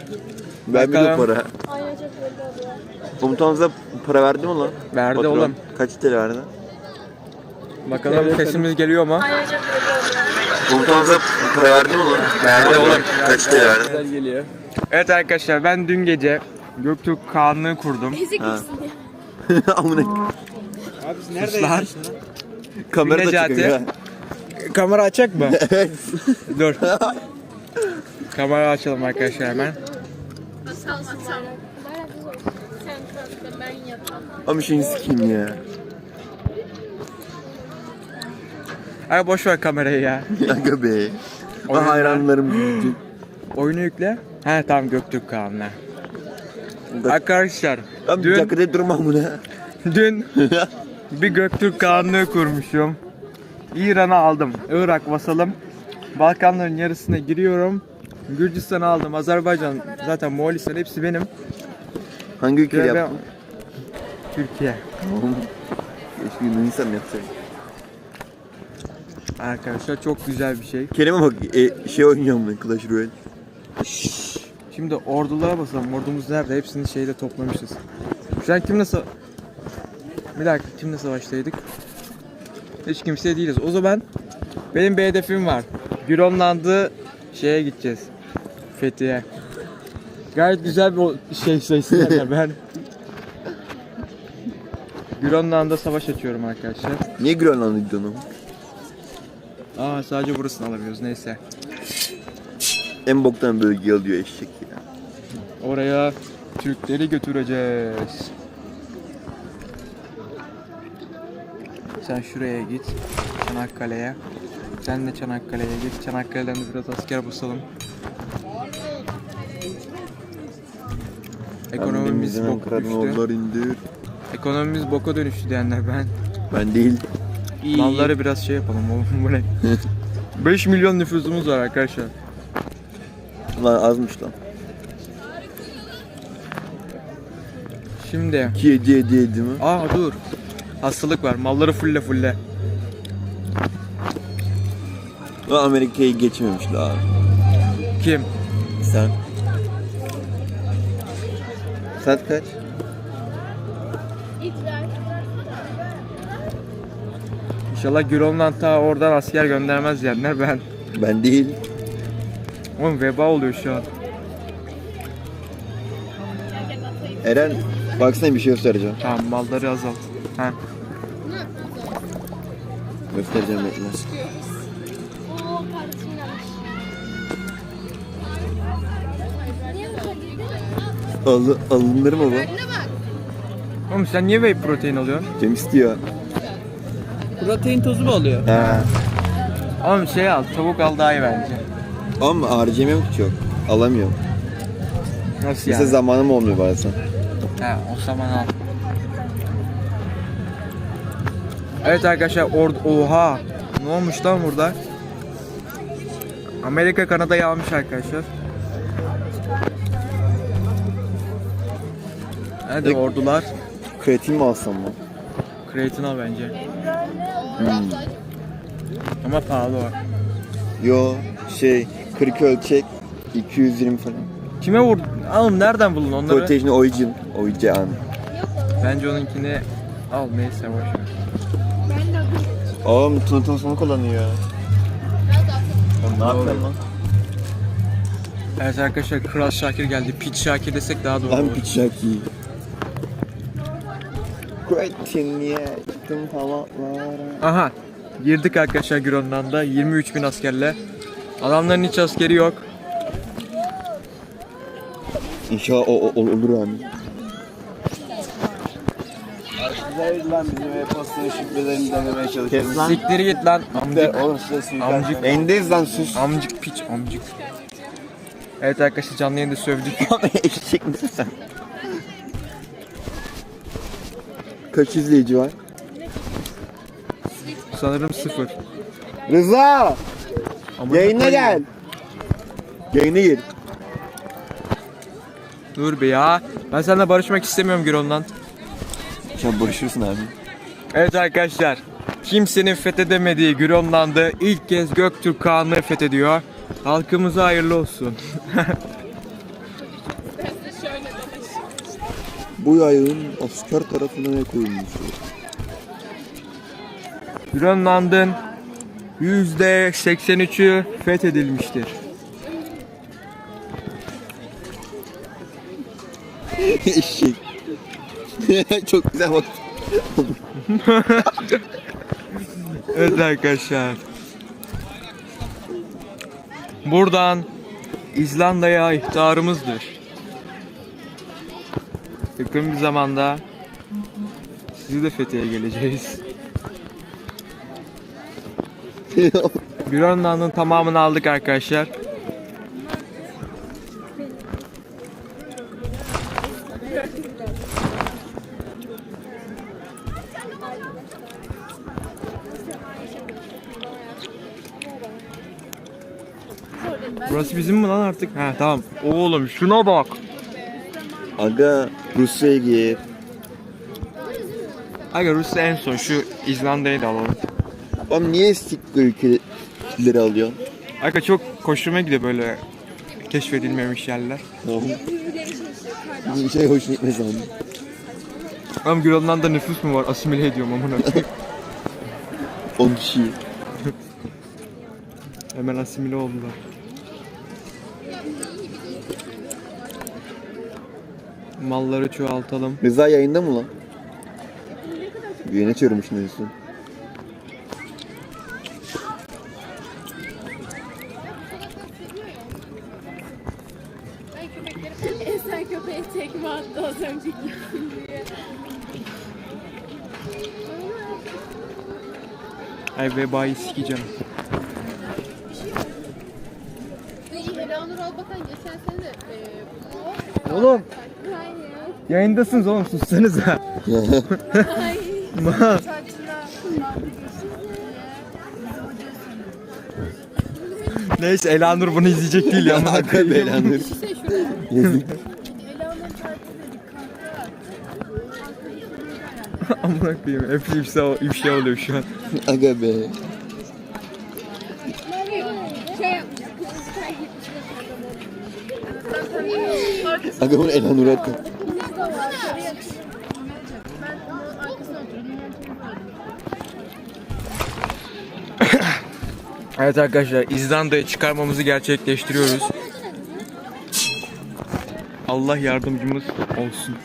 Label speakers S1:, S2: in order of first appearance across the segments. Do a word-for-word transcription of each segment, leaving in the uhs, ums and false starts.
S1: Vermedi para.
S2: Aynen çok belli oluyor.
S1: Komutanımıza para verdi mi lan?
S3: Verdi
S1: Patron.
S3: oğlum.
S1: Kaç T L verdi?
S3: Bakalım sesimiz geliyor mu?
S2: Aynen çok belli oluyor.
S1: Komutanımıza para verdi mi lan? Verdi oğlum. Kaç T L verdi?
S3: Güzel geliyor. Evet arkadaşlar, ben dün gece Göktürk Kağanlığı kurdum.
S2: Ezik
S1: Ha.
S2: misin diye.
S1: Amına.
S4: Abi siz nerede
S3: Lan.
S4: yaşıyorsunuz?
S1: Kamera da
S3: Necati.
S1: çıkıyor ya.
S3: Kamera açacak mı?
S1: Evet.
S3: Dur. Kamera açalım arkadaşlar hemen.
S2: Sal sal. Sen kalk ben yapalım.
S1: Ama şeyini sikeyim ya.
S3: Ay boş ver kamerayı ya.
S1: Aga be.
S3: Oyunlar.
S1: Ben hayranlarım büyüyecek.
S3: Oyunu yükle. He tamam, Göktürk Kağanlığı.
S1: Bak-
S3: Arkadaşlar
S1: Abi bir
S3: dün,
S1: dakika de durmam bunu.
S3: dün bir Göktürk Kağanlığı kurmuşum. İran'ı aldım. Irak vasalım. Balkanların yarısına giriyorum. Gürcistan'ı aldım. Azerbaycan, zaten Moğolistan, hepsi benim.
S1: Hangi ülkeyi
S3: Ve ben-
S1: yaptın?
S3: Türkiye.
S1: Keşke Yunanistan yapsaydım.
S3: Arkadaşlar çok güzel bir şey.
S1: Kerem'e bak e, şey oynuyorum ben Clash Royale.
S3: Şimdi ordulara basalım. Ordumuz nerede? Hepsini şeyde toplamışız. Şu an kimle sa... Bir dakika, kimle savaştaydık? Hiç kimse değiliz. O zaman benim bir hedefim var. Grönland'ı şeye gideceğiz. Fethiye. Gayet güzel bir o- şey sayısı yani ben. Grönland'da savaş açıyorum arkadaşlar.
S1: Niye Grönland'a gidiyorsun oğlum?
S3: Aa, sadece burasını alamıyoruz, neyse.
S1: En boktan bölgeyi alıyor eşek ya.
S3: Oraya Türkleri götüreceğiz. Sen şuraya git, Çanakkale'ye. Sen de Çanakkale'ye git. Çanakkale'den de biraz asker basalım. Ekonomimiz
S1: Annemizin
S3: boka
S1: Ankara'dan
S3: düştü.
S1: oğullar indir.
S3: Ekonomimiz boka dönüştü diyenler ben.
S1: Ben değil.
S3: Malları biraz şey yapalım oğlum, bu ne? beş milyon nüfusumuz var arkadaşlar.
S1: Lan azmış lan.
S3: Şimdi,
S1: iki yedi yedi yedi mi?
S3: aa dur. Hastalık var. Malları fulle fulle.
S1: Lan Amerika'yı geçmemiş daha.
S3: Kim?
S1: Sen. Saat kaç?
S2: İdrar.
S3: İnşallah Grönland ta oradan asker göndermez diyenler ben.
S1: Ben değil.
S3: Oğlum veba oluyor şu an.
S1: Eren baksana bir şey göstereceğim.
S3: Tamam, malları azalt. Ha.
S1: Göstereceğim bekle.
S2: Oo kardeşim yanlış. Niye bu kadar?
S1: Alı, alınır mı bu?
S3: Oğlum sen niye whey protein alıyorsun?
S1: Cem istiyor.
S4: Protein tozu mu oluyor?
S1: He.
S3: Oğlum şey al, tavuk al daha iyi bence.
S1: Ama harcayamıyorum ki çok. Alamıyorum.
S3: Nasıl
S1: Mesela
S3: yani?
S1: zamanım olmuyor bazen.
S3: He, o zaman al. Evet arkadaşlar, ordu... Oha! Ne olmuş lan burada? Amerika Kanada'yı almış arkadaşlar. Hadi
S1: Peki.
S3: ordular.
S1: Kreatin mi alsam mı?
S3: Kreatin al bence.
S1: Hmm.
S3: Ama pahalı o.
S1: Yo şey kırk ölçek iki yüz yirmi falan.
S3: Kime vurdun? Oğlum nereden buldun onları?
S1: Protein origin. Origin.
S3: Bence onunkini al, neyse boş ver.
S2: Ben de
S1: Oğlum Tunut'un sonu kullanıyor ya. Oğlum ne yapıyorsun lan?
S3: Evet arkadaşlar, Kral Şakir geldi. Piç Şakir desek daha doğru
S1: Lan
S3: olur.
S1: piç şaki. Kreatin ye. Gittim halatlara.
S3: Aha, girdik arkadaşlar Grönland'a yirmi üç bin askerle. Adamların hiç askeri yok.
S1: İnşallah o, o, olur yani.
S4: Arkadaşlar lan bizim e-postanın şifrelerini denemeye çalışıyoruz.
S1: Kes lan.
S3: Siktir git lan amcık.
S4: Oğlum size suikast.
S3: Amcık.
S1: Endeyiz lan sus.
S3: Amcık piç amcık. Evet arkadaşlar, canlı yayında sövdük.
S1: Eşek misin sen? Kaç izleyici var?
S3: Sanırım sıfır.
S1: Rıza!
S3: Amına
S1: Yayına
S3: koyayım.
S1: gel. Yayına gir.
S3: Dur be ya. Ben seninle barışmak istemiyorum Grönland.
S1: Sen barışırsın abi.
S3: Evet arkadaşlar, kimsenin fethedemediği Grönland'ı ilk kez Göktürk Kağanlığı fethediyor. Halkımıza hayırlı olsun.
S1: bu yayın asker tarafından koyulmuştur.
S3: Grönland'ın yüzde seksen üçü fethedilmiştir.
S1: Eşek. Çok güzel bak.
S3: Evet arkadaşlar. Buradan İzlanda'ya ihtarımızdır. Yakın bir zamanda sizi de Fethiye'ye geleceğiz. Grönland'ın tamamını aldık arkadaşlar. Burası bizim mi lan artık? Ha tamam. Oğlum şuna bak.
S1: Aga Rusya'ya gir.
S3: Aga Rusya en son, şu İzlanda'yı da alalım.
S1: Oğlum niye siktir ülkeleri alıyorsun?
S3: Aga çok hoşuma gidiyor böyle keşfedilmemiş yerler.
S1: Bir şey hoşuna gitmez abi.
S3: Ama Grönland'da nüfus mu var? Asimile ediyorum amına.
S1: on kişi.
S3: Hemen asimile oldular. Malları çoğaltalım.
S1: Rıza yayında mı lan? Yayın açıyorum şimdi en son.
S2: Esen köpeğe tekme attı az önceki diye.
S3: Ay vebayı sikeceğim.
S2: Eleanor Albakan geçen sene de e,
S3: Oğlum
S2: Hayır.
S3: yayındasınız oğlum, sussanıza.
S2: Hayır.
S3: Ma. Neyse Elanur bunu izleyecek değil ya.
S1: Aga be lan. Yazık.
S3: Amına koyayım. Hep ifşa, ifşa oluyor şu an.
S1: Aga be.
S2: Şey yapmış.
S1: Aga bunu Elanur'a at.
S3: Evet arkadaşlar, İzlanda'ya çıkarmamızı gerçekleştiriyoruz. Allah yardımcımız olsun.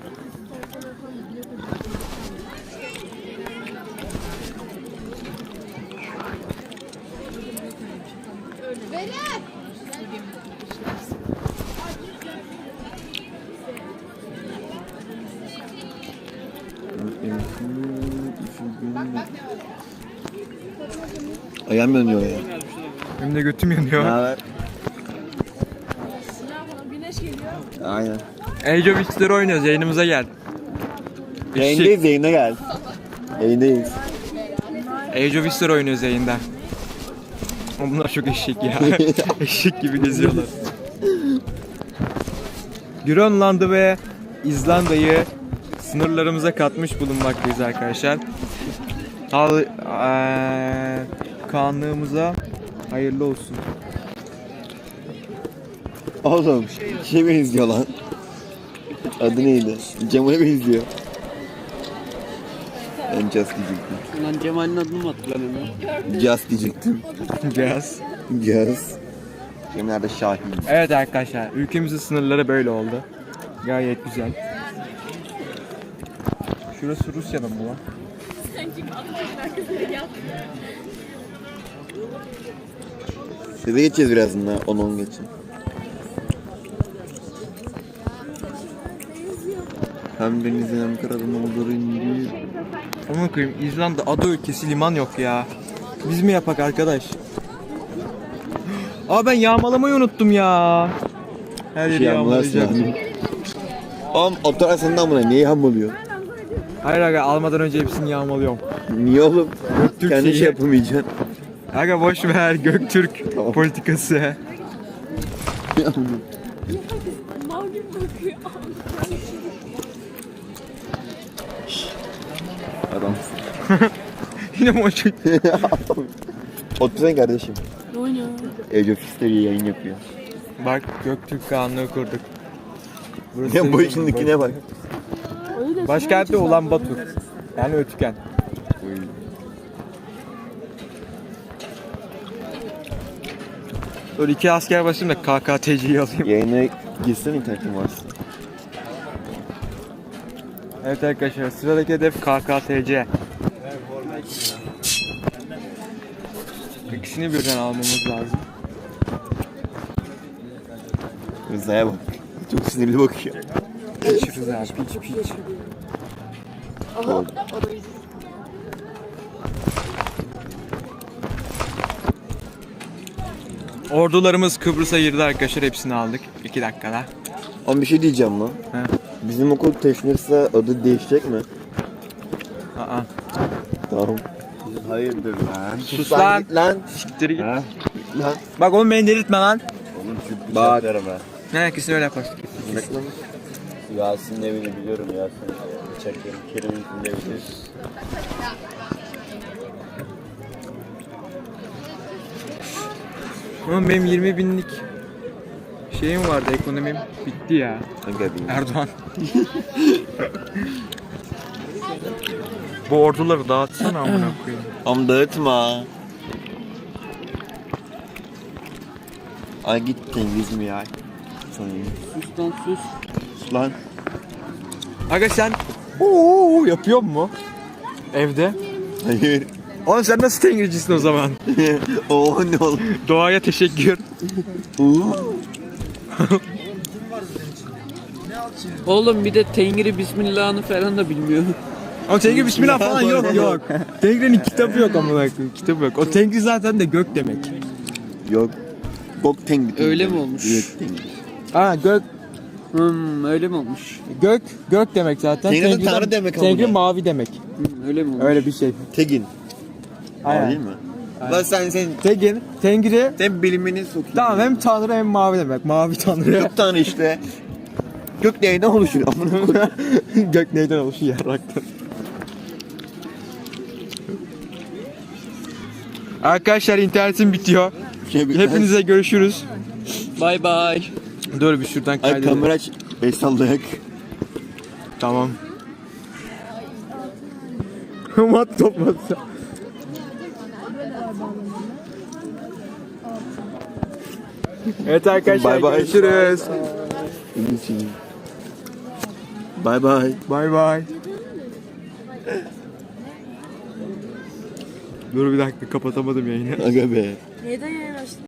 S1: Ayağım yanıyor ya.
S3: Benim de götüm yanıyor.
S1: Ne haber? Aynen.
S3: Age of History oynuyoruz, yayınımıza gel.
S1: Yayındayız, yayına gel. Yayındayız.
S3: Age of History oynuyoruz yayında. Ama bunlar çok eşek ya. Eşek gibi geziyorlar. Grönland'ı ve İzlanda'yı sınırlarımıza katmış bulunmaktayız arkadaşlar. Al, eee, kanlığımıza hayırlı olsun.
S1: Oğlum şey benziyor lan. Adı neydi? Cemal'e benziyor. Ben Just diyecektim.
S4: Lan Cemal'in adını mı hatırlamıyorum?
S1: Just diyecektim.
S3: Biraz.
S1: Just. Cemal de Şahin.
S3: Evet arkadaşlar, ülkemizin sınırları böyle oldu. Gayet güzel. Şurası Rusya'da mı lan?
S1: Size geçeceğiz birazdan daha. on on geçin. Hem denizden hem karadan olur indi.
S3: Aman koyayım, İzlanda ada ülkesi, liman yok ya. Biz mi yapak arkadaş? Aa ben yağmalamayı unuttum ya. Her yeri
S1: Şey yağmalarsın
S3: yağmalayacağım.
S1: abi. Oğlum otur sen de amına niye yağmalıyor?
S3: Hayır aga, almadan önce hepsini yağmalıyorum.
S1: Niye oğlum?
S3: Göktürk
S1: Kendi
S3: şeyi.
S1: şey yapamayacaksın.
S3: Aga boş ver, Göktürk
S1: Tamam.
S3: politikası.
S2: Mal gibi bakıyor.
S1: Adam.
S3: Yine mi o çocuk?
S1: Otursana kardeşim.
S2: Ne oynuyor?
S1: Age of History yayın yapıyor.
S3: Bak Göktürk kanunu kurduk. Burası
S1: Ya
S3: senin
S1: bu işindekine bak.
S3: Başkenti olan Batur. Yani Ötüken. Böyle iki asker basayım da K K T C'yi alayım.
S1: Yayına girsen internetin varsa.
S3: Evet arkadaşlar, sıradaki hedef K K T C. İkisini birden almamız lazım.
S1: Rıza'ya bak. Çok sinirli bakıyor.
S3: Piç Rıza, piç piç.
S1: Oldu.
S3: Ordularımız Kıbrıs'a girdi arkadaşlar, hepsini aldık. iki dakikada.
S1: Ama bir şey diyeceğim lan.
S3: He.
S1: Bizim okul taşınırsa adı değişecek mi?
S3: Aa.
S1: Tamam.
S4: Hayırdır lan?
S3: Sus lan.
S1: Git lan.
S3: Siktir git.
S4: Ha?
S1: Lan.
S3: Bak oğlum beni delirtme lan.
S4: Oğlum sürpriz
S1: Bak.
S4: yaparım ha.
S3: Ne kesin öyle yaparsın.
S4: Yasin'in evini biliyorum Yasin. Çekerim. Kerim'in evini biliyorsun.
S3: Oğlum benim yirmi binlik şeyim vardı, ekonomim bitti ya.
S1: Aga bir.
S3: Erdoğan. Bu orduları dağıtsana amına koyayım.
S1: Am dağıtma. Ay git Cengiz mi ya? Sana
S2: Sus lan sus.
S1: sus lan.
S3: Aga sen ooo yapıyor mu? Evde.
S1: Hayır.
S3: Oğlum sen nasıl tengircisin o zaman?
S1: Oo ne oğlum?
S3: Doğaya teşekkür.
S1: Oo.
S2: Oğlum bir de Tengri Bismillah'ını falan da bilmiyor.
S3: Ama Tengri bismillah falan yok yok. Tengri'nin kitabı yok amına koyayım. Kitabı yok. O Tengri zaten de gök demek.
S1: Yok. Gok Tengri.
S2: Öyle mi olmuş?
S1: Gök Tengri.
S3: Ha gök
S2: Hmm, öyle mi olmuş?
S3: gök gök demek zaten.
S1: Tengri de
S3: Tengri'den-
S1: tanrı demek
S3: Tengri
S1: amına.
S3: mavi demek.
S2: Hmm, öyle mi olmuş?
S3: Öyle bir şey.
S1: Tegin.
S3: Aynen.
S1: Değil mi? Lan sen sen
S3: Tegin, Tengri
S1: sen bilimini sokayım.
S3: tamam hem tanrı hem mavi demek. Mavi tanrı.
S1: Gök tanrı işte. Gök neyden oluşuyor? Amına koyayım.
S3: Gök neyden oluşuyor yarraktan. Arkadaşlar internetim bitiyor.
S1: Şey, bir-
S3: Hepinize görüşürüz.
S2: Bay bay.
S3: Dur bir şuradan
S1: Ay
S3: kaydedelim.
S1: kamera aç. Beş sallayak.
S3: Tamam. Mat toplatsa. Evet arkadaşlar
S1: Bye bye.
S3: görüşürüz.
S1: Bye bye.
S3: Bay bay. Dur bir dakika kapatamadım yayını.
S1: Aga be.
S2: Neden yayın açtın?